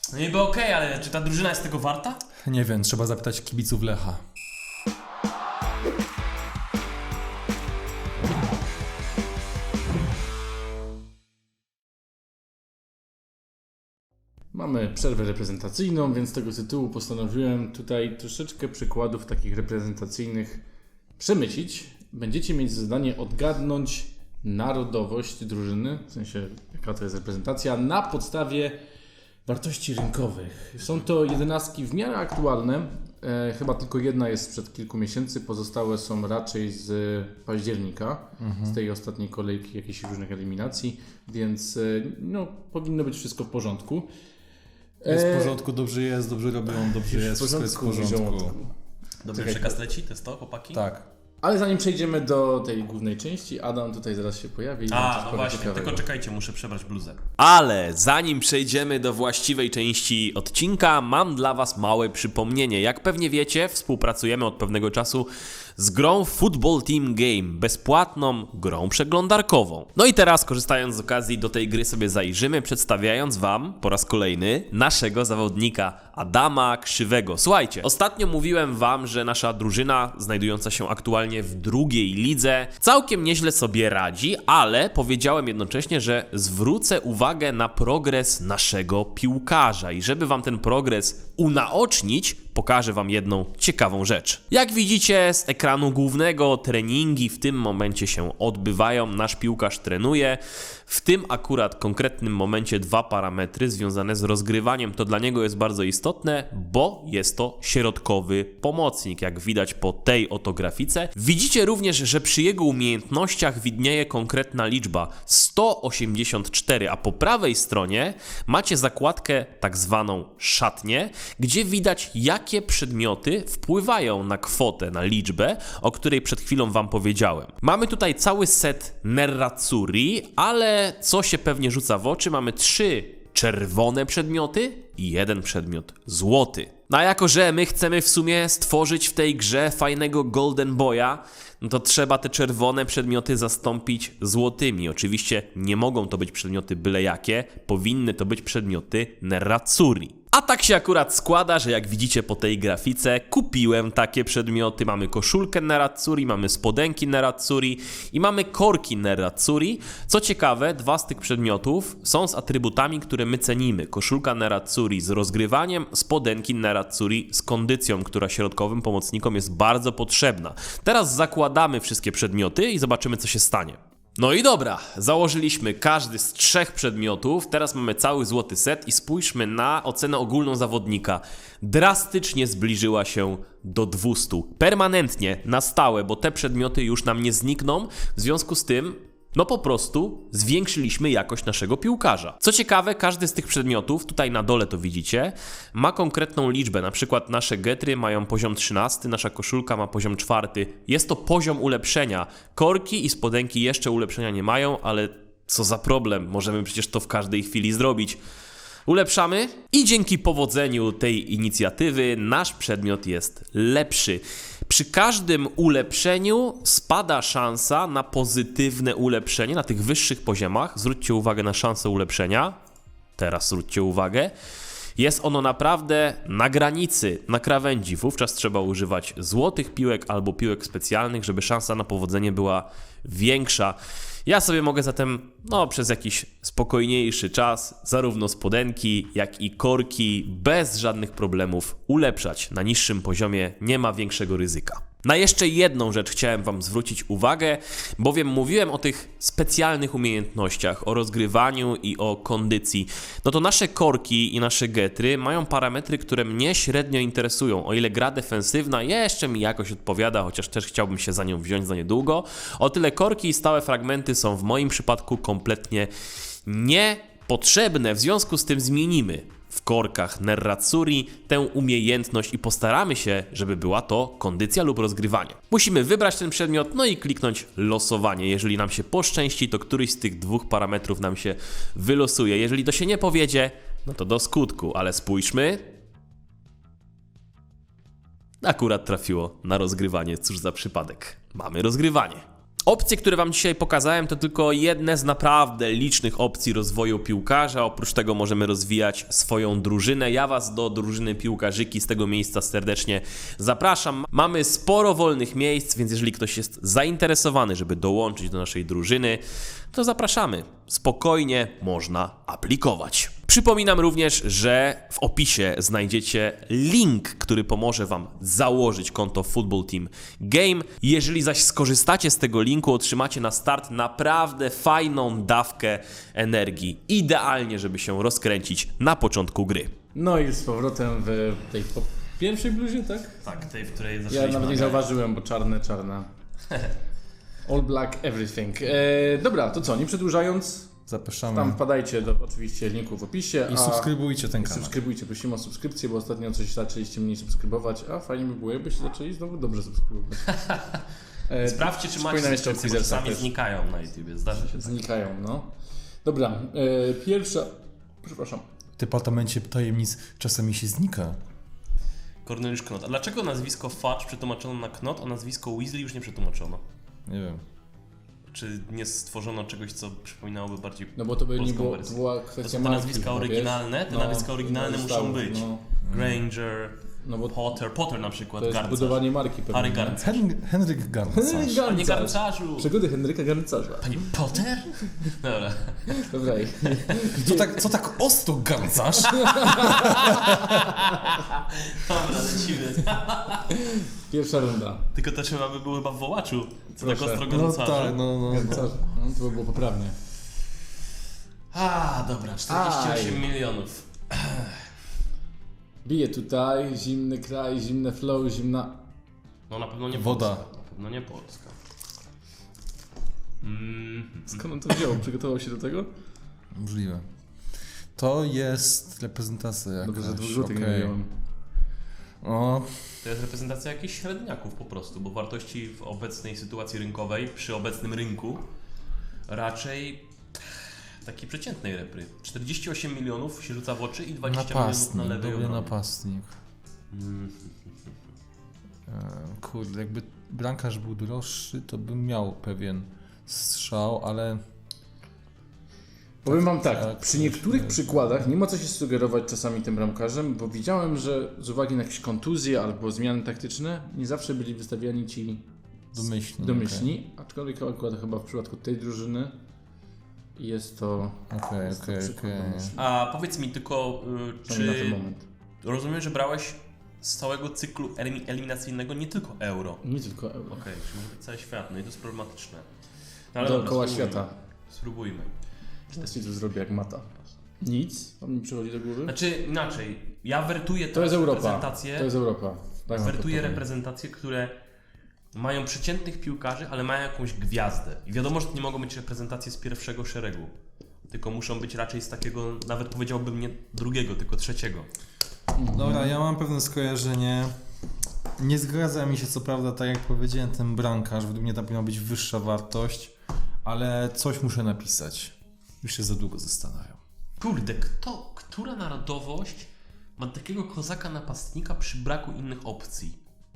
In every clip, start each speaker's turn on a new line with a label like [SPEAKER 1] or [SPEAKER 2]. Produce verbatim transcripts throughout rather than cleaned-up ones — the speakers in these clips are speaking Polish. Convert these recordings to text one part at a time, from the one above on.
[SPEAKER 1] No niby okej, ale czy ta drużyna jest tego warta?
[SPEAKER 2] Nie wiem, trzeba zapytać kibiców Lecha.
[SPEAKER 3] Mamy przerwę reprezentacyjną, więc z tego tytułu postanowiłem tutaj troszeczkę przykładów takich reprezentacyjnych przemycić. Będziecie mieć zadanie odgadnąć narodowość drużyny, w sensie jaka to jest reprezentacja, na podstawie wartości rynkowych. Są to jedenastki w miarę aktualne, e, chyba tylko jedna jest sprzed kilku miesięcy, pozostałe są raczej z października, mhm. z tej ostatniej kolejki jakichś różnych eliminacji, więc e, no, powinno być wszystko w porządku.
[SPEAKER 2] Jest w porządku, dobrze jest, dobrze robią, dobrze jest, wszystko jest w porządku.
[SPEAKER 1] Dobry przekaz leci, to jest to, chłopaki?
[SPEAKER 2] Tak.
[SPEAKER 3] Ale zanim przejdziemy do tej głównej części, Adam tutaj zaraz się pojawi.
[SPEAKER 1] A, no właśnie, ciekawego. Tylko czekajcie, muszę przebrać bluzę.
[SPEAKER 4] Ale zanim przejdziemy do właściwej części odcinka, mam dla Was małe przypomnienie. Jak pewnie wiecie, współpracujemy od pewnego czasu z grą Football Team Game, bezpłatną grą przeglądarkową. No i teraz, korzystając z okazji, do tej gry sobie zajrzymy, przedstawiając Wam po raz kolejny naszego zawodnika Adama Krzywego. Słuchajcie, ostatnio mówiłem Wam, że nasza drużyna, znajdująca się aktualnie w drugiej lidze, całkiem nieźle sobie radzi, ale powiedziałem jednocześnie, że zwrócę uwagę na progres naszego piłkarza i żeby Wam ten progres unaocznić, pokażę Wam jedną ciekawą rzecz. Jak widzicie z ekranu głównego, treningi w tym momencie się odbywają, nasz piłkarz trenuje. W tym akurat konkretnym momencie dwa parametry związane z rozgrywaniem. To dla niego jest bardzo istotne, bo jest to środkowy pomocnik, jak widać po tej oto grafice. Widzicie również, że przy jego umiejętnościach widnieje konkretna liczba sto osiemdziesiąt cztery, a po prawej stronie macie zakładkę tak zwaną szatnię, gdzie widać jakie przedmioty wpływają na kwotę, na liczbę, o której przed chwilą Wam powiedziałem. Mamy tutaj cały set Nerazzurri, ale co się pewnie rzuca w oczy, mamy trzy czerwone przedmioty i jeden przedmiot złoty. No a jako, że my chcemy w sumie stworzyć w tej grze fajnego Golden Boya, no to trzeba te czerwone przedmioty zastąpić złotymi. Oczywiście nie mogą to być przedmioty byle jakie, powinny to być przedmioty Nerazzurri. A tak się akurat składa, że jak widzicie po tej grafice, kupiłem takie przedmioty. Mamy koszulkę Nerazzurri, mamy spodenki Nerazzurri i mamy korki Nerazzurri. Co ciekawe, dwa z tych przedmiotów są z atrybutami, które my cenimy. Koszulka Nerazzurri z rozgrywaniem, spodenki Nerazzurri z kondycją, która środkowym pomocnikom jest bardzo potrzebna. Teraz zakładamy wszystkie przedmioty i zobaczymy, co się stanie. No i dobra, założyliśmy każdy z trzech przedmiotów, teraz mamy cały złoty set i spójrzmy na ocenę ogólną zawodnika. Drastycznie zbliżyła się do dwustu. Permanentnie, na stałe, bo te przedmioty już nam nie znikną, w związku z tym no po prostu zwiększyliśmy jakość naszego piłkarza. Co ciekawe, każdy z tych przedmiotów, tutaj na dole to widzicie, ma konkretną liczbę. Na przykład nasze getry mają poziom trzynasty, nasza koszulka ma poziom czwarty. Jest to poziom ulepszenia. Korki i spodenki jeszcze ulepszenia nie mają, ale co za problem, możemy przecież to w każdej chwili zrobić. Ulepszamy i dzięki powodzeniu tej inicjatywy nasz przedmiot jest lepszy. Przy każdym ulepszeniu spada szansa na pozytywne ulepszenie na tych wyższych poziomach. Zwróćcie uwagę na szansę ulepszenia. Teraz zwróćcie uwagę. Jest ono naprawdę na granicy, na krawędzi. Wówczas trzeba używać złotych piłek albo piłek specjalnych, żeby szansa na powodzenie była większa. Ja sobie mogę zatem no, przez jakiś spokojniejszy czas zarówno spodenki, jak i korki bez żadnych problemów ulepszać. Na niższym poziomie nie ma większego ryzyka. Na jeszcze jedną rzecz chciałem Wam zwrócić uwagę, bowiem mówiłem o tych specjalnych umiejętnościach, o rozgrywaniu i o kondycji. No to nasze korki i nasze getry mają parametry, które mnie średnio interesują. O ile gra defensywna jeszcze mi jakoś odpowiada, chociaż też chciałbym się za nią wziąć za niedługo, o tyle korki i stałe fragmenty są w moim przypadku kompletnie niepotrzebne. W związku z tym zmienimy w korkach Nerazzurri tę umiejętność i postaramy się, żeby była to kondycja lub rozgrywanie. Musimy wybrać ten przedmiot, no i kliknąć losowanie. Jeżeli nam się poszczęści, to któryś z tych dwóch parametrów nam się wylosuje. Jeżeli to się nie powiedzie, no to do skutku, ale spójrzmy. Akurat trafiło na rozgrywanie, cóż za przypadek. Mamy rozgrywanie. Opcje, które Wam dzisiaj pokazałem, to tylko jedne z naprawdę licznych opcji rozwoju piłkarza. Oprócz tego możemy rozwijać swoją drużynę. Ja Was do drużyny Piłkarzyki z tego miejsca serdecznie zapraszam. Mamy sporo wolnych miejsc, więc jeżeli ktoś jest zainteresowany, żeby dołączyć do naszej drużyny, to zapraszamy. Spokojnie można aplikować. Przypominam również, że w opisie znajdziecie link, który pomoże Wam założyć konto Football Team Game. Jeżeli zaś skorzystacie z tego linku, otrzymacie na start naprawdę fajną dawkę energii. Idealnie, żeby się rozkręcić na początku gry.
[SPEAKER 3] No i z powrotem w tej po pierwszej bluzie, tak?
[SPEAKER 1] Tak, tej, w której
[SPEAKER 3] Ja
[SPEAKER 1] zaczęliśmy
[SPEAKER 3] nawet nie
[SPEAKER 1] nagrać.
[SPEAKER 3] zauważyłem, bo czarne, czarne. All black, everything. E, dobra, to co, nie przedłużając,
[SPEAKER 2] Zapraszamy.
[SPEAKER 3] tam wpadajcie do oczywiście linku w opisie.
[SPEAKER 2] I
[SPEAKER 3] a...
[SPEAKER 2] subskrybujcie ten
[SPEAKER 3] I
[SPEAKER 2] kanał.
[SPEAKER 3] subskrybujcie, prosimy o subskrypcję, bo ostatnio coś zaczęliście mniej subskrybować, a fajnie by było, jakbyście zaczęli znowu dobrze subskrybować. E,
[SPEAKER 1] Sprawdźcie, czy macie
[SPEAKER 3] przypominam jeszcze o
[SPEAKER 1] subskrypcje, bo
[SPEAKER 3] Quizersa
[SPEAKER 1] czasami
[SPEAKER 3] też.
[SPEAKER 1] znikają na YouTubie, zdarza się tak.
[SPEAKER 3] Znikają, no. Dobra, e, pierwsza, przepraszam.
[SPEAKER 2] W departamencie tajemnic czasami się znika.
[SPEAKER 1] Korneliusz Knot. A dlaczego nazwisko Fudge przetłumaczono na Knot, a nazwisko Weasley już nie przetłumaczono?
[SPEAKER 2] Nie wiem.
[SPEAKER 1] Czy nie stworzono czegoś, co przypominałoby bardziej
[SPEAKER 3] No bo to by nie
[SPEAKER 1] polską
[SPEAKER 3] było, to
[SPEAKER 1] wersję?
[SPEAKER 3] była
[SPEAKER 1] To
[SPEAKER 3] kwestia
[SPEAKER 1] są te
[SPEAKER 3] marki
[SPEAKER 1] nazwiska
[SPEAKER 3] chyba,
[SPEAKER 1] oryginalne,
[SPEAKER 3] wiesz?
[SPEAKER 1] te nazwiska oryginalne
[SPEAKER 3] no,
[SPEAKER 1] muszą
[SPEAKER 3] stało,
[SPEAKER 1] być.
[SPEAKER 3] No,
[SPEAKER 1] Granger,
[SPEAKER 3] no bo
[SPEAKER 1] Potter, Potter na przykład,
[SPEAKER 3] to jest
[SPEAKER 1] Garncarz.
[SPEAKER 3] budowanie marki pewnie.
[SPEAKER 1] Harry
[SPEAKER 3] nie?
[SPEAKER 1] Garncarz.
[SPEAKER 2] Hen Henryk Garncarz.
[SPEAKER 3] Henryk
[SPEAKER 1] A nie
[SPEAKER 3] Garncarz.
[SPEAKER 1] Garncarzu!
[SPEAKER 3] Przygody Henryka Garncarza.
[SPEAKER 1] Panie Potter? Dobra.
[SPEAKER 3] Dobra, i-
[SPEAKER 2] Co tak, co tak ostro Garncarz?
[SPEAKER 1] Dobra, lecimy.
[SPEAKER 3] pierwsza runda.
[SPEAKER 1] Tylko to trzeba by było chyba w wołaczu. Co tak
[SPEAKER 3] Proszę.
[SPEAKER 1] ostro
[SPEAKER 2] No
[SPEAKER 1] Garncarzu.
[SPEAKER 2] tak, no, no.
[SPEAKER 3] Garncarz. No, to by było poprawnie.
[SPEAKER 1] A, dobra, czterdzieści osiem
[SPEAKER 3] Aj.
[SPEAKER 1] milionów.
[SPEAKER 3] Bije tutaj, zimny kraj, zimne flow, zimna...
[SPEAKER 1] No na pewno nie
[SPEAKER 2] Woda.
[SPEAKER 1] Polska. Na pewno nie Polska. Mm.
[SPEAKER 3] Skąd on to wziął? Przygotował się do tego?
[SPEAKER 2] Możliwe. To jest reprezentacja jakaś.
[SPEAKER 3] Dobrze, że dwóch złotych nie
[SPEAKER 2] okej.
[SPEAKER 3] wziąłem.
[SPEAKER 2] O,
[SPEAKER 1] To jest reprezentacja jakichś średniaków po prostu, bo wartości w obecnej sytuacji rynkowej, przy obecnym rynku, raczej takiej przeciętnej repry. czterdzieści osiem milionów się rzuca w oczy i dwadzieścia milionów
[SPEAKER 2] napastnik,
[SPEAKER 1] na lewej
[SPEAKER 2] dobry
[SPEAKER 1] obronie.
[SPEAKER 2] napastnik.
[SPEAKER 1] Mm.
[SPEAKER 2] E, Kurde, jakby bramkarz był droższy, to bym miał pewien strzał, ale
[SPEAKER 3] Powiem wam tak,
[SPEAKER 2] tak,
[SPEAKER 3] przy
[SPEAKER 2] coś
[SPEAKER 3] niektórych
[SPEAKER 2] jest.
[SPEAKER 3] przykładach nie ma co się sugerować czasami tym bramkarzem, bo widziałem, że z uwagi na jakieś kontuzje albo zmiany taktyczne, nie zawsze byli wystawiani ci
[SPEAKER 2] domyślnie.
[SPEAKER 3] domyślni, aczkolwiek akurat chyba w przypadku tej drużyny jest to...
[SPEAKER 2] Okej,
[SPEAKER 3] jest to
[SPEAKER 2] okej,
[SPEAKER 3] przykład
[SPEAKER 2] okej.
[SPEAKER 3] domyślny.
[SPEAKER 1] A powiedz mi tylko, y,
[SPEAKER 3] Przynajmniej na ten
[SPEAKER 1] czy
[SPEAKER 3] moment.
[SPEAKER 1] rozumiem, że brałeś z całego cyklu elimi- eliminacyjnego nie tylko euro?
[SPEAKER 3] Nie tylko euro.
[SPEAKER 1] Okej, czyli może być cały świat, no i to jest problematyczne. No ale dobra,
[SPEAKER 3] Dookoła
[SPEAKER 1] spróbujmy.
[SPEAKER 3] świata.
[SPEAKER 1] Spróbujmy.
[SPEAKER 3] Teraz ci to zrobię jak mata. Nic? Wam nie przychodzi do głowy?
[SPEAKER 1] Znaczy inaczej, ja wertuję
[SPEAKER 3] To jest
[SPEAKER 1] teraz
[SPEAKER 3] Europa.
[SPEAKER 1] reprezentacje,
[SPEAKER 3] To jest Europa. Tak wam
[SPEAKER 1] wertuję
[SPEAKER 3] podpowiem.
[SPEAKER 1] reprezentacje, które mają przeciętnych piłkarzy, ale mają jakąś gwiazdę. I wiadomo, że to nie mogą być reprezentacje z pierwszego szeregu, tylko muszą być raczej z takiego, nawet powiedziałbym nie drugiego, tylko trzeciego.
[SPEAKER 2] Dobra, ja mam pewne skojarzenie. Nie zgadza mi się co prawda, tak jak powiedziałem, ten bramkarz. Według mnie tam powinna być wyższa wartość, ale coś muszę napisać. Już się za długo zastanawiam.
[SPEAKER 1] Kurde, kto, która narodowość ma takiego kozaka napastnika przy braku innych opcji?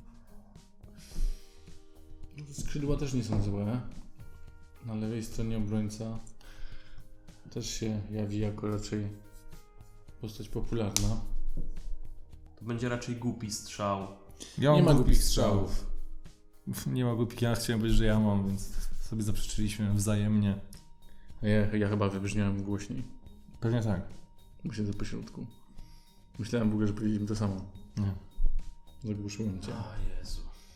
[SPEAKER 3] Skrzydła też nie są złe. Na lewej stronie obrońca też się jawi jako raczej postać popularna.
[SPEAKER 1] To będzie raczej głupi strzał.
[SPEAKER 2] Ja
[SPEAKER 3] Nie
[SPEAKER 2] mam
[SPEAKER 3] ma
[SPEAKER 2] głupich
[SPEAKER 3] głupich
[SPEAKER 2] strzałów. Nie ma głupich, ja chciałem powiedzieć, że ja mam, więc sobie zaprzeczyliśmy wzajemnie.
[SPEAKER 3] Ja, ja chyba wybrzmiałem głośniej.
[SPEAKER 2] Pewnie tak.
[SPEAKER 3] Bo siedzę po środku. Myślałem w ogóle, że powiedzieliśmy to samo.
[SPEAKER 2] Nie.
[SPEAKER 3] Zagłuszyłem cię.
[SPEAKER 1] O Jezu.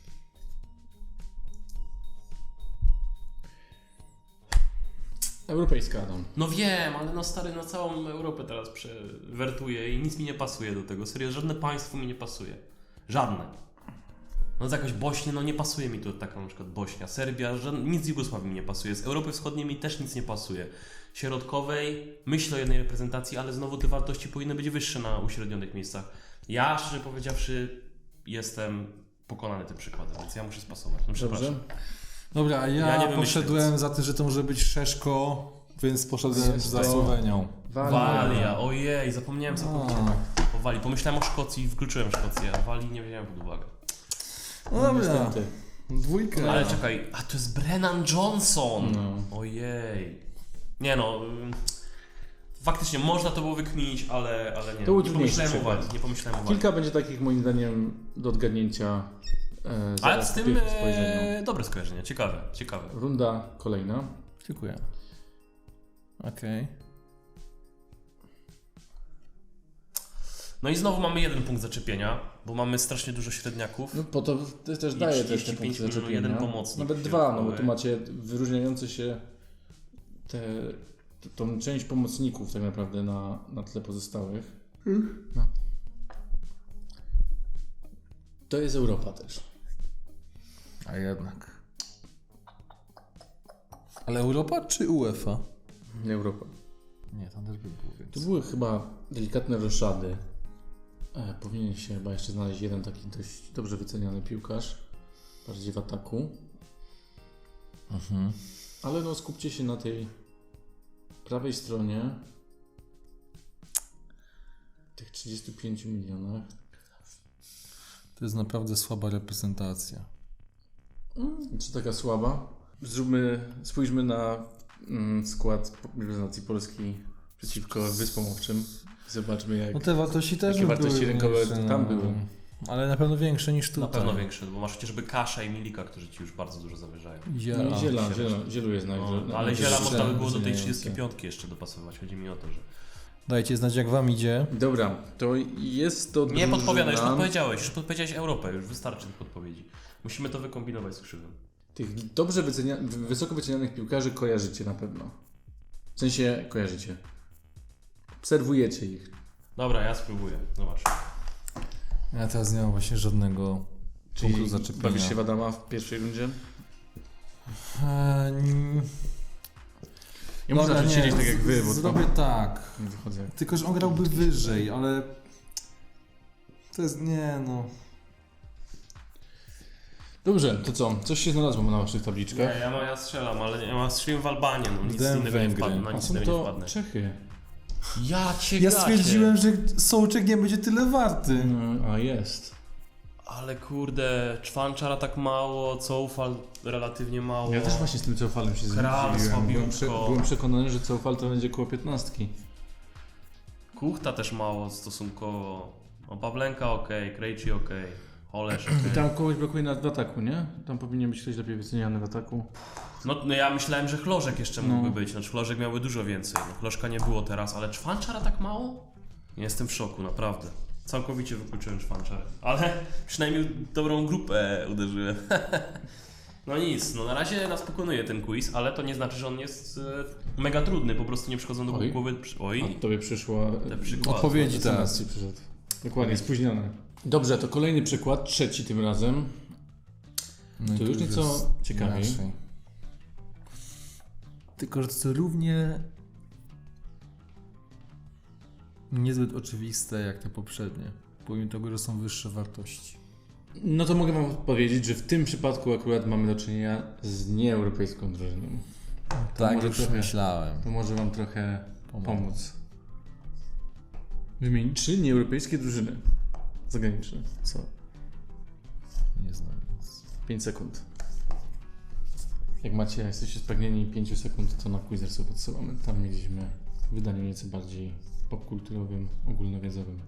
[SPEAKER 3] Europejska, Adam.
[SPEAKER 1] No wiem, ale no stary, na całą Europę teraz przewertuję i nic mi nie pasuje do tego. Serio, żadne państwo mi nie pasuje. Żadne. No z jakaś Bośnia, no nie pasuje mi tu taka na przykład Bośnia, Serbia, żadne, nic z Jugosławii mi nie pasuje. Z Europy Wschodniej mi też nic nie pasuje. Środkowej myślę o jednej reprezentacji, ale znowu te wartości powinny być wyższe na uśrednionych miejscach. Ja, szczerze powiedziawszy, jestem pokonany tym przykładem, więc ja muszę spasować. No,
[SPEAKER 3] Dobrze?
[SPEAKER 1] przepraszam.
[SPEAKER 2] Dobra, a ja,
[SPEAKER 1] Ja nie wymyślę
[SPEAKER 2] poszedłem
[SPEAKER 1] nic.
[SPEAKER 2] za tym, że to może być Szeszko, więc poszedłem
[SPEAKER 3] Jest
[SPEAKER 2] za
[SPEAKER 3] to-
[SPEAKER 2] Słowenią.
[SPEAKER 1] Walia, ojej, zapomniałem całkowicie
[SPEAKER 2] A.
[SPEAKER 1] o Walii. Pomyślałem o Szkocji i wykluczyłem Szkocję, a Walii nie wziąłem pod uwagę.
[SPEAKER 2] No dobra.
[SPEAKER 3] Niestety.
[SPEAKER 2] Dwójkę.
[SPEAKER 1] Ale czekaj, a to jest Brennan Johnson!
[SPEAKER 3] No.
[SPEAKER 1] Ojej. Nie no... ym, Faktycznie można to było wykminić, ale, ale nie.
[SPEAKER 3] To był
[SPEAKER 1] nie
[SPEAKER 3] trudniejszy
[SPEAKER 1] pomyślałem o
[SPEAKER 3] przykład.
[SPEAKER 1] wadze, nie pomyślałem o wadze.
[SPEAKER 3] Kilka będzie takich moim zdaniem do odgadnięcia. E,
[SPEAKER 1] Ale
[SPEAKER 3] zaraz
[SPEAKER 1] z
[SPEAKER 3] po
[SPEAKER 1] tym
[SPEAKER 3] pierwszym spojrzeniu.
[SPEAKER 1] e, dobre skojarzenie, ciekawe, ciekawe.
[SPEAKER 3] Runda kolejna.
[SPEAKER 2] Dziękuję. Okej.
[SPEAKER 1] No i znowu mamy jeden punkt zaczepienia, bo mamy strasznie dużo średniaków.
[SPEAKER 3] No po to to też
[SPEAKER 1] I
[SPEAKER 3] daje te, te
[SPEAKER 1] trzydzieści pięć
[SPEAKER 3] punkty zaczepienia.
[SPEAKER 1] jeden pomocnik
[SPEAKER 3] Nawet dwa, no bo tu
[SPEAKER 1] środkowy.
[SPEAKER 3] macie wyróżniające się te, t- tą część pomocników tak naprawdę na, na tle pozostałych. No. To jest Europa też.
[SPEAKER 2] A jednak. Ale Europa czy UEFA?
[SPEAKER 3] Europa.
[SPEAKER 2] Nie, tam też by było
[SPEAKER 3] Tu
[SPEAKER 2] więcej.
[SPEAKER 3] były chyba delikatne roszady. E, powinien się chyba jeszcze znaleźć jeden taki dość dobrze wyceniany piłkarz. Bardziej w ataku.
[SPEAKER 2] Mhm.
[SPEAKER 3] Ale no skupcie się na tej prawej stronie. Tych trzydziestu pięciu milionach.
[SPEAKER 2] To jest naprawdę słaba reprezentacja.
[SPEAKER 3] Czy taka słaba? Zróbmy, spójrzmy na mm, skład reprezentacji Polski przeciwko Wyspom Owczym. Zobaczmy jak...
[SPEAKER 2] No te wartości też
[SPEAKER 3] Jakie
[SPEAKER 2] by
[SPEAKER 3] wartości
[SPEAKER 2] były
[SPEAKER 3] rynkowe
[SPEAKER 2] większe,
[SPEAKER 3] tam
[SPEAKER 2] no.
[SPEAKER 3] były?
[SPEAKER 2] Ale na pewno większe niż tutaj.
[SPEAKER 1] Na pewno większe, bo masz chociażby Kasza i Milika, którzy ci już bardzo dużo zawyżają.
[SPEAKER 2] Ziela.
[SPEAKER 3] No i ziela,
[SPEAKER 1] się
[SPEAKER 3] ziela,
[SPEAKER 1] rośnie.
[SPEAKER 3] zielu jest naj...
[SPEAKER 1] No,
[SPEAKER 3] naj-
[SPEAKER 1] ale Ziela
[SPEAKER 3] najwyższe
[SPEAKER 1] można by było do tej
[SPEAKER 3] wyceniające.
[SPEAKER 1] trzydziestki piątki jeszcze dopasować. Chodzi mi o to, że...
[SPEAKER 2] Dajcie znać jak wam idzie.
[SPEAKER 3] Dobra, to jest to
[SPEAKER 1] Nie
[SPEAKER 3] drużyna...
[SPEAKER 1] podpowiadaj, już podpowiedziałeś, już podpowiedziałeś Europę, już wystarczy tych podpowiedzi. Musimy to wykombinować z krzywym.
[SPEAKER 3] Tych dobrze wycenia... wysoko wycenianych piłkarzy kojarzycie na pewno. W sensie kojarzycie. Obserwujecie ich.
[SPEAKER 1] Dobra, ja spróbuję. Zobacz.
[SPEAKER 2] Ja teraz nie mam właśnie żadnego
[SPEAKER 3] Czyli
[SPEAKER 2] punktu zaczepienia.
[SPEAKER 3] bawisz się w Adama w pierwszej rundzie?
[SPEAKER 2] Eee, n-
[SPEAKER 3] Ja muszę
[SPEAKER 2] dobra,
[SPEAKER 3] zacząć
[SPEAKER 2] nie,
[SPEAKER 3] siedzieć tak jak wy, bo
[SPEAKER 2] z-
[SPEAKER 3] to
[SPEAKER 2] Zrobię tak.
[SPEAKER 3] nie wychodzę.
[SPEAKER 2] Tylko, że on grałby wyżej, ale... To jest... Nie no...
[SPEAKER 3] Dobrze, to co? Coś się znalazło na waszych
[SPEAKER 1] Nie,
[SPEAKER 3] tabliczkach?
[SPEAKER 1] ja, ma, ja strzelam, ale ja mam strzeliłem w Albanię, no nic
[SPEAKER 2] Dałem
[SPEAKER 1] innego nie
[SPEAKER 2] Węgry.
[SPEAKER 1] wpadnę, na
[SPEAKER 3] A
[SPEAKER 1] nic
[SPEAKER 3] są
[SPEAKER 1] innego nie
[SPEAKER 3] to
[SPEAKER 1] wpadnę.
[SPEAKER 3] Czechy.
[SPEAKER 1] Ja cię
[SPEAKER 2] Ja
[SPEAKER 1] gacie.
[SPEAKER 2] stwierdziłem, że Sołczek nie będzie tyle warty.
[SPEAKER 3] Mm, a jest.
[SPEAKER 1] Ale kurde, Czwanczara tak mało, Coufal relatywnie mało.
[SPEAKER 3] Ja też właśnie z tym Coufalem się
[SPEAKER 1] Kral,
[SPEAKER 3] zdziwiłem. Byłem, prze,
[SPEAKER 1] słabiutko.
[SPEAKER 3] byłem przekonany, że Coufal to będzie koło piętnastki.
[SPEAKER 1] Kuchta też mało stosunkowo. O, Pawlenka okej, okay, Krejci okej, okay, Holesz okej.
[SPEAKER 3] I tam kogoś brakuje na, w ataku, nie? Tam powinien być ktoś lepiej wyceniany w ataku.
[SPEAKER 1] No, no ja myślałem, że Chlożek jeszcze
[SPEAKER 3] No.
[SPEAKER 1] mógłby być, znaczy Chlożek miałby dużo więcej. No, Chlożka nie było teraz, ale Czwanczara tak mało? Jestem w szoku, naprawdę. Całkowicie wykluczyłem Czwanczarę, ale przynajmniej dobrą grupę uderzyłem. No nic, no na razie nas pokonuje ten quiz, ale to nie znaczy, że on jest e, mega trudny, po prostu nie przychodzą do
[SPEAKER 3] Oj.
[SPEAKER 1] głowy... Oj,
[SPEAKER 3] A tobie przyszło...
[SPEAKER 1] te przykłady.
[SPEAKER 2] Odpowiedzi
[SPEAKER 3] S M S
[SPEAKER 2] teraz.
[SPEAKER 3] ci przyszedł. Dokładnie, spóźnione. Dobrze, to kolejny przykład, trzeci tym razem.
[SPEAKER 2] No i
[SPEAKER 3] To już
[SPEAKER 2] jest
[SPEAKER 3] nieco ciekawiej.
[SPEAKER 2] inaczej. Tylko, że to równie niezbyt oczywiste jak te poprzednie. Pomimo tego, że są wyższe wartości.
[SPEAKER 3] No to mogę wam powiedzieć, że w tym przypadku akurat mamy do czynienia z nieeuropejską drużyną.
[SPEAKER 2] Tak,
[SPEAKER 3] może
[SPEAKER 2] już
[SPEAKER 3] trochę-
[SPEAKER 2] myślałem.
[SPEAKER 3] To może wam trochę
[SPEAKER 2] Pomogę.
[SPEAKER 3] pomóc. Wymień trzy nieeuropejskie drużyny zagraniczne. Co?
[SPEAKER 2] Nie znam nic.
[SPEAKER 3] pięć sekund. Jak macie, jak jesteście spragnieni pięć sekund, to na Quizersu podsyłamy. Tam mieliśmy w wydaniu nieco bardziej popkulturowym, ogólnowiedzowym.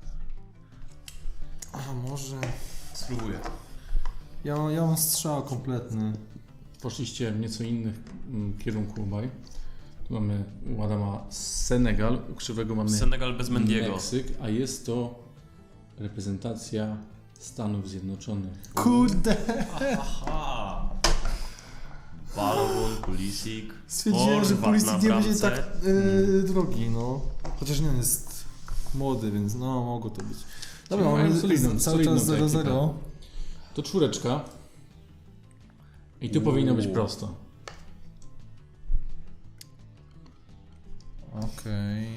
[SPEAKER 2] A może...
[SPEAKER 1] Spróbuję.
[SPEAKER 2] Ja, ja mam strzał kompletny.
[SPEAKER 3] Poszliście w nieco innych mm, kierunku obaj. Tu mamy u Adama Senegal, u Krzywego mamy
[SPEAKER 1] Senegal bez Mendiego.
[SPEAKER 3] Meksyk, a jest to reprezentacja Stanów Zjednoczonych.
[SPEAKER 2] Kurde!
[SPEAKER 1] Aha! Balogun, Pulisic,
[SPEAKER 2] Stwierdziłem, że
[SPEAKER 1] Horvat
[SPEAKER 2] Pulisic
[SPEAKER 1] na
[SPEAKER 2] nie będzie
[SPEAKER 1] bramce.
[SPEAKER 2] tak yy, drogi, no. Chociaż nie, on jest młody, więc no, mogło to być. Dobra,
[SPEAKER 3] Czyli mają
[SPEAKER 2] mamy
[SPEAKER 3] solidną-
[SPEAKER 2] cały czas
[SPEAKER 3] solidną tę
[SPEAKER 2] zero zero.
[SPEAKER 3] To czwóreczka. I tu powinno być prosto.
[SPEAKER 2] Okej.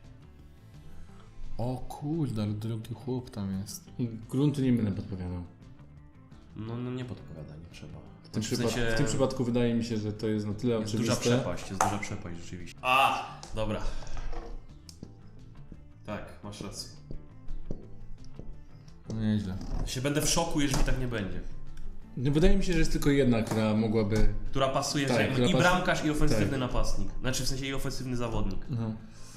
[SPEAKER 2] O kurde, ale drogi chłop tam jest.
[SPEAKER 3] I gruntu nie będę podpowiadał.
[SPEAKER 1] No, no nie podpowiada, nie trzeba.
[SPEAKER 3] W tym,
[SPEAKER 1] W
[SPEAKER 3] przypad-
[SPEAKER 1] sensie
[SPEAKER 3] w tym przypadku wydaje mi się, że to jest na tyle
[SPEAKER 1] jest duża
[SPEAKER 3] oczywiste.
[SPEAKER 1] przepaść, jest duża przepaść rzeczywiście. A, dobra. Tak, masz rację.
[SPEAKER 2] No nieźle.
[SPEAKER 1] Ja się będę w szoku, jeżeli tak nie będzie.
[SPEAKER 3] No, wydaje mi się, że jest tylko jedna, która mogłaby...
[SPEAKER 1] Która pasuje,
[SPEAKER 3] Tak,
[SPEAKER 1] że
[SPEAKER 3] która
[SPEAKER 1] i
[SPEAKER 3] pas-
[SPEAKER 1] bramkarz, i ofensywny
[SPEAKER 3] tak.
[SPEAKER 1] napastnik. Znaczy w sensie i ofensywny zawodnik.
[SPEAKER 3] No.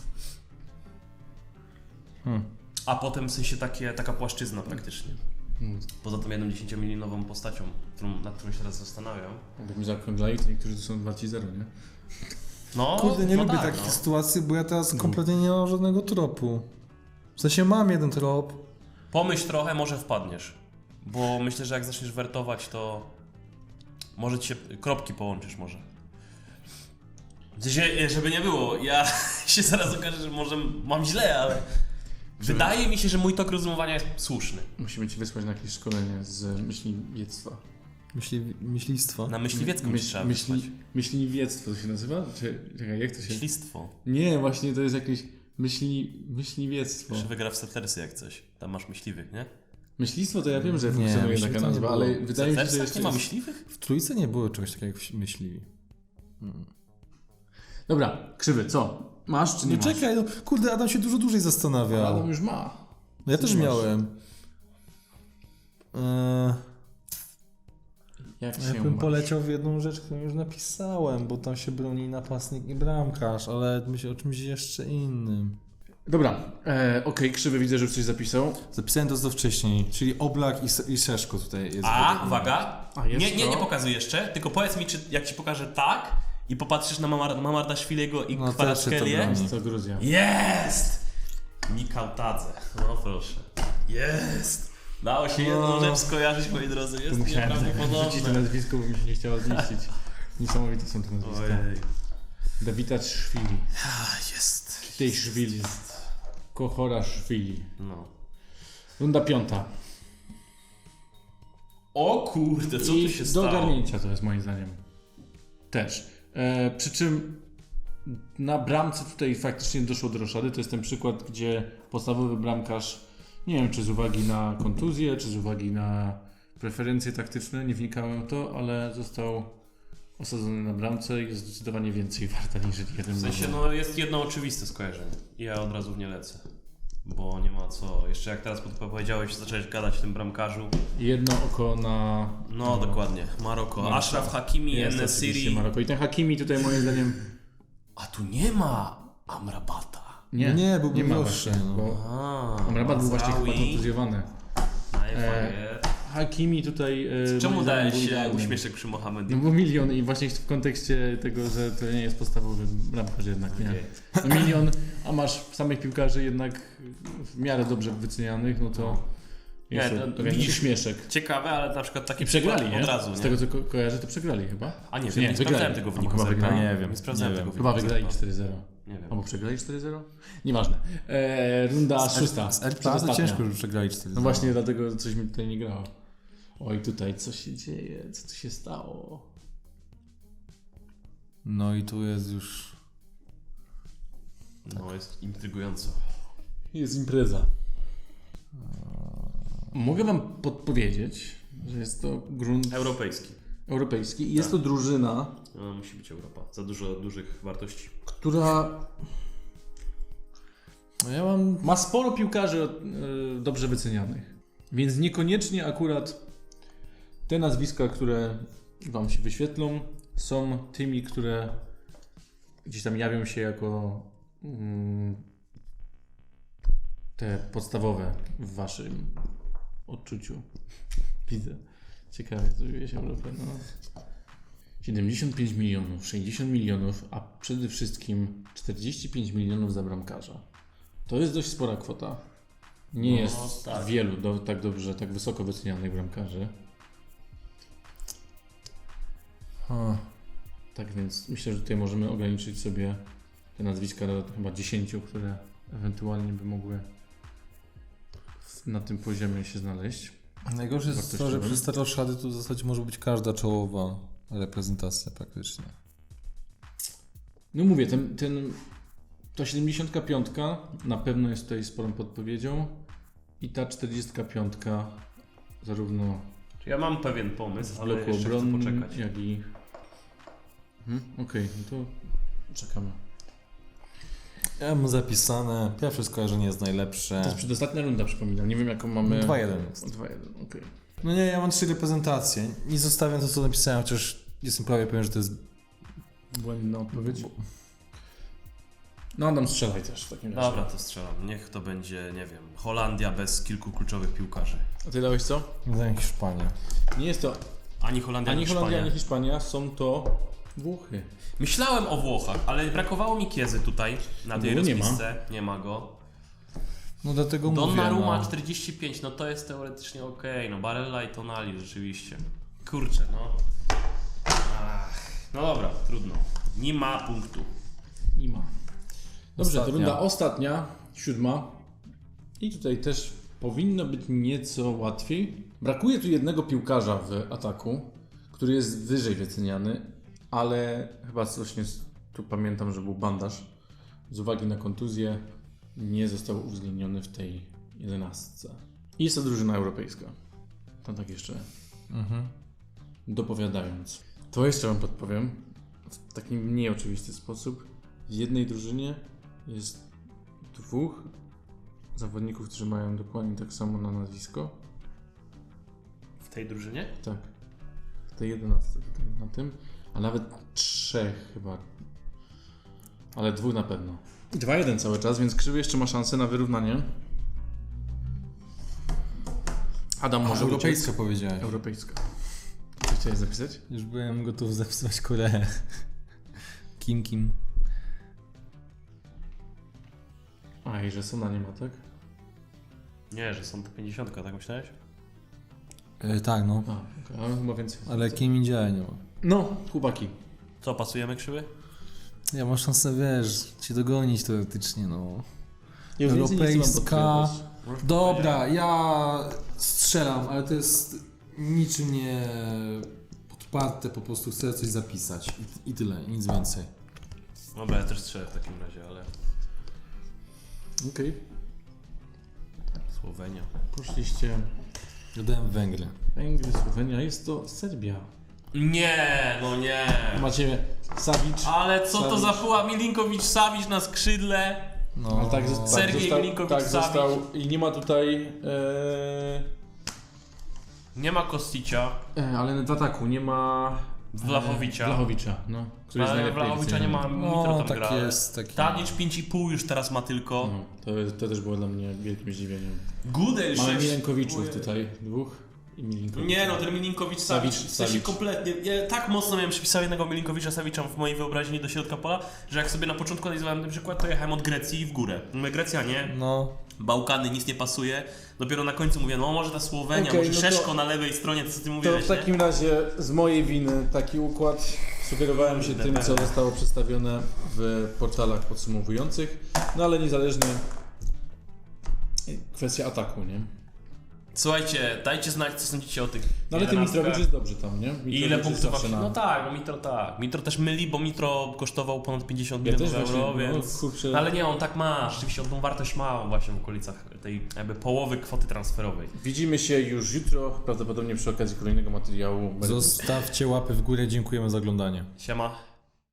[SPEAKER 2] Hmm.
[SPEAKER 1] A potem w sensie takie, taka płaszczyzna praktycznie.
[SPEAKER 3] Hmm.
[SPEAKER 1] Poza tą jedną dziesięciomilionową postacią, którą, nad którą się teraz zastanawiam.
[SPEAKER 3] Jakbyśmy zaokrąglali, to niektórzy to są warci zero, nie?
[SPEAKER 1] No,
[SPEAKER 2] Kurde, nie
[SPEAKER 1] no
[SPEAKER 2] lubię
[SPEAKER 1] tak,
[SPEAKER 2] takich
[SPEAKER 1] no.
[SPEAKER 2] sytuacji, bo ja teraz kompletnie nie mam żadnego tropu. W sensie mam jeden trop.
[SPEAKER 1] Pomyśl trochę, może wpadniesz. Bo myślę, że jak zaczniesz wertować, to może ci się kropki połączysz może. W sensie, żeby nie było, ja się zaraz okaże, że może mam źle, ale wydaje mi się, że mój tok rozumowania jest słuszny.
[SPEAKER 3] Musimy ci wysłać na jakieś szkolenie z myśliwiectwa.
[SPEAKER 2] Myśli, myślistwo.
[SPEAKER 1] Na myśliwiecką
[SPEAKER 3] Myśl-
[SPEAKER 1] trzeba
[SPEAKER 3] myśli,
[SPEAKER 1] wysłać.
[SPEAKER 3] myśliwiectwo to się nazywa? Czy, czekaj, jak to się...
[SPEAKER 1] Myślistwo.
[SPEAKER 3] Nie, właśnie to jest jakieś myśli, myśliwiectwo.
[SPEAKER 1] Jeszcze wygra w Settersy jak coś. Tam masz myśliwych, nie?
[SPEAKER 3] Myślistwo to ja wiem, że
[SPEAKER 2] Nie,
[SPEAKER 3] funkcjonuje
[SPEAKER 2] myśli
[SPEAKER 3] taka
[SPEAKER 2] to nie
[SPEAKER 3] nazwa,
[SPEAKER 2] było.
[SPEAKER 3] ale
[SPEAKER 1] W
[SPEAKER 3] wydaje mi się, że
[SPEAKER 1] Settersach
[SPEAKER 3] jeszcze
[SPEAKER 1] nie ma
[SPEAKER 3] jest...
[SPEAKER 1] myśliwych?
[SPEAKER 2] W trójce nie było czegoś takiego jak myśliwi.
[SPEAKER 3] Dobra, Krzywy, co? Masz czy nie
[SPEAKER 2] Nie
[SPEAKER 3] masz?
[SPEAKER 2] czekaj, no, kurde, Adam się dużo dłużej zastanawiał.
[SPEAKER 3] Adam już ma.
[SPEAKER 2] No ja
[SPEAKER 3] Co
[SPEAKER 2] też
[SPEAKER 3] ty masz?
[SPEAKER 2] miałem. Eee,
[SPEAKER 3] Jak
[SPEAKER 2] ja
[SPEAKER 3] się
[SPEAKER 2] bym
[SPEAKER 3] masz?
[SPEAKER 2] poleciał w jedną rzecz, którą już napisałem, bo tam się broni napastnik i bramkarz, ale myślę o czymś jeszcze innym.
[SPEAKER 3] Dobra, e, okej, Krzywy, widzę, że już coś zapisał.
[SPEAKER 2] Zapisałem to co wcześniej, czyli Oblak i, S- i Szeszko tutaj jest.
[SPEAKER 1] A,
[SPEAKER 2] według mnie.
[SPEAKER 1] uwaga.
[SPEAKER 3] A, jest
[SPEAKER 1] Nie, nie,
[SPEAKER 3] to?
[SPEAKER 1] nie pokazuj jeszcze, tylko powiedz mi, czy jak ci pokażę tak i popatrzysz na Mamar- Mamardaszwilego i
[SPEAKER 2] No,
[SPEAKER 1] no,
[SPEAKER 2] też się to
[SPEAKER 1] Kvaratskhelia.
[SPEAKER 2] broni.
[SPEAKER 3] Jest to Gruzja.
[SPEAKER 1] Jest! Mikałtadze. No proszę. Jest! Dało się jedną
[SPEAKER 2] No.
[SPEAKER 1] rzecz skojarzyć, moi drodzy. Jest
[SPEAKER 3] Musiałem wrzucić to
[SPEAKER 1] nieprawdopodobne.
[SPEAKER 3] nazwisko, bo mi się nie chciało zmieścić. Niesamowite są te nazwiska.
[SPEAKER 1] Ojej.
[SPEAKER 3] Dawida Szwili.
[SPEAKER 1] A, jest.
[SPEAKER 3] Tej Szwili. Kochora Szwili.
[SPEAKER 1] No.
[SPEAKER 3] Runda piąta.
[SPEAKER 1] O kurde, co
[SPEAKER 3] I
[SPEAKER 1] tu się
[SPEAKER 3] do
[SPEAKER 1] stało?
[SPEAKER 3] ogarnięcia to jest moim zdaniem. Też. E, przy czym na bramce tutaj faktycznie doszło do roszady. To jest ten przykład, gdzie podstawowy bramkarz, nie wiem czy z uwagi na kontuzję, czy z uwagi na preferencje taktyczne, nie wnikałem w to, ale został osadzony na bramce i jest zdecydowanie więcej warta niż jeden
[SPEAKER 1] W sensie,
[SPEAKER 3] milion.
[SPEAKER 1] no jest jedno oczywiste skojarzenie. I ja od razu w nie lecę. Bo nie ma co. Jeszcze jak teraz powiedziałeś, zacząłeś gadać o tym bramkarzu.
[SPEAKER 3] Jedno oko na...
[SPEAKER 1] No, dokładnie. Maroko.
[SPEAKER 3] Maroko.
[SPEAKER 1] Ashraf Hakimi,
[SPEAKER 3] Jest
[SPEAKER 1] En-Nesyri.
[SPEAKER 3] oczywiście Maroko. I ten Hakimi tutaj moim zdaniem...
[SPEAKER 1] A tu nie ma Amrabata.
[SPEAKER 3] Nie,
[SPEAKER 2] No nie, byłby
[SPEAKER 3] nie ma
[SPEAKER 2] droższy,
[SPEAKER 3] właśnie,
[SPEAKER 2] no.
[SPEAKER 3] bo
[SPEAKER 1] A,
[SPEAKER 3] Amrabat był właśnie chyba
[SPEAKER 1] Mazraoui.
[SPEAKER 3] kontuzjowany.
[SPEAKER 1] Najfajnie.
[SPEAKER 3] Hakimi tutaj... E,
[SPEAKER 1] Czemu
[SPEAKER 3] moim zdaniem
[SPEAKER 1] dałeś
[SPEAKER 3] był
[SPEAKER 1] się
[SPEAKER 3] idealny.
[SPEAKER 1] uśmieszek przy Mohamedzie?
[SPEAKER 3] No bo milion i właśnie w kontekście tego, że to nie jest podstawowy bramkarz jednak, nie?
[SPEAKER 1] Okej.
[SPEAKER 3] No milion, a masz samych piłkarzy jednak w miarę dobrze wycenianych, no to
[SPEAKER 1] Nie,
[SPEAKER 3] jest
[SPEAKER 1] to-
[SPEAKER 3] to,
[SPEAKER 1] to
[SPEAKER 3] pewien
[SPEAKER 1] widzisz-
[SPEAKER 3] śmieszek.
[SPEAKER 1] Ciekawe, ale na przykład taki
[SPEAKER 3] I przegrali,
[SPEAKER 1] przykład
[SPEAKER 3] nie?
[SPEAKER 1] od razu, nie?
[SPEAKER 3] Z tego co ko- kojarzę, to przegrali chyba.
[SPEAKER 1] A nie
[SPEAKER 3] Czy
[SPEAKER 1] wiem, nie, sprawdzałem
[SPEAKER 3] wygrali.
[SPEAKER 1] tego
[SPEAKER 3] Albo
[SPEAKER 1] wyniku.
[SPEAKER 3] chyba
[SPEAKER 1] zerkałem.
[SPEAKER 3] wygrali.
[SPEAKER 2] Nie wiem,
[SPEAKER 1] Nie sprawdzałem
[SPEAKER 2] nie
[SPEAKER 1] tego
[SPEAKER 2] wiem.
[SPEAKER 3] Chyba
[SPEAKER 1] wyniku.
[SPEAKER 3] wygrali
[SPEAKER 1] zerkałem.
[SPEAKER 3] cztery zero.
[SPEAKER 1] Nie wiem.
[SPEAKER 3] Albo przegrali cztery zero? Nieważne. E, runda szósta.
[SPEAKER 2] Z R P A to
[SPEAKER 3] przedostatnia.
[SPEAKER 2] ciężko, że przegrali cztery.
[SPEAKER 3] No właśnie dlatego coś mi tutaj nie grało. Oj, tutaj co się dzieje? Co tu się stało?
[SPEAKER 2] No i tu jest już...
[SPEAKER 1] No, jest intrygująco.
[SPEAKER 3] Jest impreza. Mogę wam podpowiedzieć, że jest to grunt
[SPEAKER 1] Europejski.
[SPEAKER 3] europejski i jest to drużyna,
[SPEAKER 1] No, musi być Europa. Za dużo dużych wartości.
[SPEAKER 3] która
[SPEAKER 2] No ja mam...
[SPEAKER 3] ma sporo piłkarzy e, dobrze wycenianych. Więc niekoniecznie akurat te nazwiska, które wam się wyświetlą, są tymi, które gdzieś tam jawią się jako mm, te podstawowe w waszym odczuciu. Widzę. Ciekawe, co dzieje się w Europie. No. siedemdziesiąt pięć milionów, sześćdziesiąt milionów, a przede wszystkim czterdzieści pięć milionów za bramkarza. To jest dość spora kwota. Nie
[SPEAKER 1] No,
[SPEAKER 3] jest
[SPEAKER 1] tak.
[SPEAKER 3] wielu do, tak dobrze, tak wysoko wycenianych bramkarzy.
[SPEAKER 2] A,
[SPEAKER 3] Tak więc myślę, że tutaj możemy ograniczyć sobie te nazwiska do chyba dziesięciu, które ewentualnie by mogły na tym poziomie się znaleźć.
[SPEAKER 2] najgorsze jest to, że
[SPEAKER 3] Wartościowym.
[SPEAKER 2] przez te roszady tu w zasadzie może być każda czołowa reprezentacja praktycznie.
[SPEAKER 3] No mówię, ten, ten, ta siedemdziesiątka piątka na pewno jest tutaj sporą podpowiedzią i ta czterdziestka piątka zarówno
[SPEAKER 1] Ja mam pewien
[SPEAKER 3] w
[SPEAKER 1] pomysł, ale
[SPEAKER 3] bloku
[SPEAKER 1] jeszcze chcę
[SPEAKER 3] obronnym,
[SPEAKER 1] poczekać.
[SPEAKER 3] jak i... Hmm? Okej, no to czekamy.
[SPEAKER 2] Ja mam zapisane, pierwsze skojarzenie jest najlepsze.
[SPEAKER 3] To jest przedostatnia runda, przypominam. Nie wiem jaką mamy...
[SPEAKER 2] dwa jeden jest.
[SPEAKER 3] dwa jeden, okej.
[SPEAKER 2] No nie, ja mam trzy reprezentacje. Nie zostawiam to, co napisałem, chociaż jestem prawie pewien, że to jest...
[SPEAKER 3] Błędna odpowiedź. No Adam, strzelaj też w takim razie.
[SPEAKER 1] Dobra, to strzelam. Niech to będzie, nie wiem, Holandia bez kilku kluczowych piłkarzy.
[SPEAKER 3] A ty dałeś co?
[SPEAKER 2] Za Hiszpania.
[SPEAKER 3] Nie jest to
[SPEAKER 1] Ani Holandia,
[SPEAKER 3] ani
[SPEAKER 1] ani
[SPEAKER 3] Holandia,
[SPEAKER 1] Hiszpania.
[SPEAKER 3] ani Hiszpania, są to Włochy.
[SPEAKER 1] Myślałem o Włochach, ale brakowało mi Kiezy tutaj, na tej
[SPEAKER 3] Bo nie ma.
[SPEAKER 1] rozpisce. Nie ma go.
[SPEAKER 2] No dlatego mówię,
[SPEAKER 1] Donnarumma
[SPEAKER 2] no.
[SPEAKER 1] czterdzieści pięć, no to jest teoretycznie okej. No Barella i Tonali rzeczywiście. Kurczę, no. Ach, no dobra, trudno. Nie ma punktu.
[SPEAKER 3] Nie ma. Dobrze,
[SPEAKER 2] Ostatnia.
[SPEAKER 3] to runda ostatnia, siódma. I tutaj też powinno być nieco łatwiej. Brakuje tu jednego piłkarza w ataku, który jest wyżej wyceniany, ale chyba właśnie z- tu pamiętam, że był bandaż. Z uwagi na kontuzję nie został uwzględniony w tej jedenastce. I jest to drużyna europejska. To tak jeszcze
[SPEAKER 2] Mhm.
[SPEAKER 3] dopowiadając. To jeszcze Wam podpowiem w taki mniej oczywisty sposób. W jednej drużynie jest dwóch zawodników, którzy mają dokładnie tak samo na nazwisko.
[SPEAKER 1] W tej drużynie?
[SPEAKER 3] Tak. W tej jedenastce tutaj na tym. A nawet trzech chyba. Ale dwóch na pewno. dwa jeden cały czas, więc Krzywy jeszcze ma szansę na wyrównanie. Adam
[SPEAKER 2] A,
[SPEAKER 3] może
[SPEAKER 2] europejska
[SPEAKER 3] uciec.
[SPEAKER 2] powiedziałeś.
[SPEAKER 3] Europejska. Co chciałeś zapisać?
[SPEAKER 2] Już byłem gotów zapisać Koreę. Kim Kim.
[SPEAKER 3] A i że Sona nie ma, tak?
[SPEAKER 1] Nie, że są to pięćdziesiąt, tak myślałeś?
[SPEAKER 2] E, tak, no.
[SPEAKER 3] A, okay. Ale chyba więcej.
[SPEAKER 2] Ale Kim Indziaja nie ma.
[SPEAKER 3] No, chłopaki.
[SPEAKER 1] Co, pasujemy Krzywy?
[SPEAKER 2] Ja mam szansę, wiesz, cię dogonić teoretycznie, no.
[SPEAKER 3] Ja już więcej nie chcę wam
[SPEAKER 2] Europejska.
[SPEAKER 3] podpowiadać.
[SPEAKER 2] Dobra, ja strzelam, ale to jest niczym nie podparte, po prostu chcę coś zapisać. I, i tyle, nic więcej.
[SPEAKER 1] Dobra, ja też strzelę w takim razie, ale...
[SPEAKER 3] Okej.
[SPEAKER 1] Słowenia.
[SPEAKER 3] Poszliście
[SPEAKER 2] Dodałem Węgry.
[SPEAKER 3] Węgry, Słowenia, jest to Serbia.
[SPEAKER 1] Nie, no nie.
[SPEAKER 3] Macie Savic.
[SPEAKER 1] Ale co to
[SPEAKER 3] Savic.
[SPEAKER 1] za puła Milinkowicz Savic na skrzydle?
[SPEAKER 2] No,
[SPEAKER 3] Ale tak, zosta-
[SPEAKER 1] Sergiej
[SPEAKER 3] został,
[SPEAKER 1] Milinkovic
[SPEAKER 3] tak
[SPEAKER 1] Savic.
[SPEAKER 3] został i nie ma tutaj e,
[SPEAKER 1] Nie ma Kosticia,
[SPEAKER 3] e, ale w ataku nie ma
[SPEAKER 1] Vlachowicza.
[SPEAKER 3] e, Vlachowicza, no, który jest
[SPEAKER 1] ale
[SPEAKER 3] najlepiej
[SPEAKER 1] Vlachowicza nie ma,
[SPEAKER 3] wyceniany.
[SPEAKER 1] Mitro
[SPEAKER 2] no
[SPEAKER 1] tam
[SPEAKER 2] tak
[SPEAKER 1] gra. ale
[SPEAKER 2] jest. Taki...
[SPEAKER 1] Tadic pięć i pół już teraz ma tylko.
[SPEAKER 3] No, to, to też było dla mnie wielkim zdziwieniem.
[SPEAKER 1] Gudel
[SPEAKER 3] Mamy
[SPEAKER 1] sześć.
[SPEAKER 3] Milenkowiczów tutaj, dwóch i Milinkowicz.
[SPEAKER 1] Nie no, ten Milinkowicz Savic,
[SPEAKER 3] Savic,
[SPEAKER 1] w sensie
[SPEAKER 3] Savic.
[SPEAKER 1] kompletnie, ja tak mocno miałem przypisał jednego Milinkowicza Savicza w mojej wyobraźni do środka pola, że jak sobie na początku analizowałem ten przykład, to jechałem od Grecji w górę. Mówię, Grecja nie,
[SPEAKER 2] No,
[SPEAKER 1] Bałkany, nic nie pasuje. Dopiero na końcu mówię, no może ta Słowenia,
[SPEAKER 3] Okej,
[SPEAKER 1] może
[SPEAKER 3] no to-
[SPEAKER 1] Szeszko na lewej stronie, to co ty
[SPEAKER 3] To
[SPEAKER 1] mówiłeś,
[SPEAKER 3] w takim razie z mojej winy taki układ. Sugerowałem się tym, co zostało przedstawione w portalach podsumowujących, no ale niezależnie kwestia ataku, nie?
[SPEAKER 1] Słuchajcie, dajcie znać, co sądzicie o tych
[SPEAKER 3] No ale ten
[SPEAKER 1] jedenastkach.
[SPEAKER 3] Mitrowicz jest dobrze tam, nie?
[SPEAKER 1] I
[SPEAKER 3] Mitrowicz
[SPEAKER 1] ile
[SPEAKER 3] jest
[SPEAKER 1] punktów
[SPEAKER 3] zawsze
[SPEAKER 1] masz?
[SPEAKER 3] na...
[SPEAKER 1] No tak, no Mitro tak. Mitro też myli, bo Mitro kosztował ponad pięćdziesiąt
[SPEAKER 3] Ja
[SPEAKER 1] milionów
[SPEAKER 3] też właśnie,
[SPEAKER 1] euro,
[SPEAKER 3] no,
[SPEAKER 1] więc...
[SPEAKER 3] kurczę.
[SPEAKER 1] No, ale nie, on tak ma, rzeczywiście on tą wartość ma właśnie w okolicach tej jakby połowy kwoty transferowej.
[SPEAKER 3] Widzimy się już jutro, prawdopodobnie przy okazji kolejnego materiału.
[SPEAKER 2] zostawcie łapy w górę, dziękujemy za oglądanie.
[SPEAKER 1] Siema.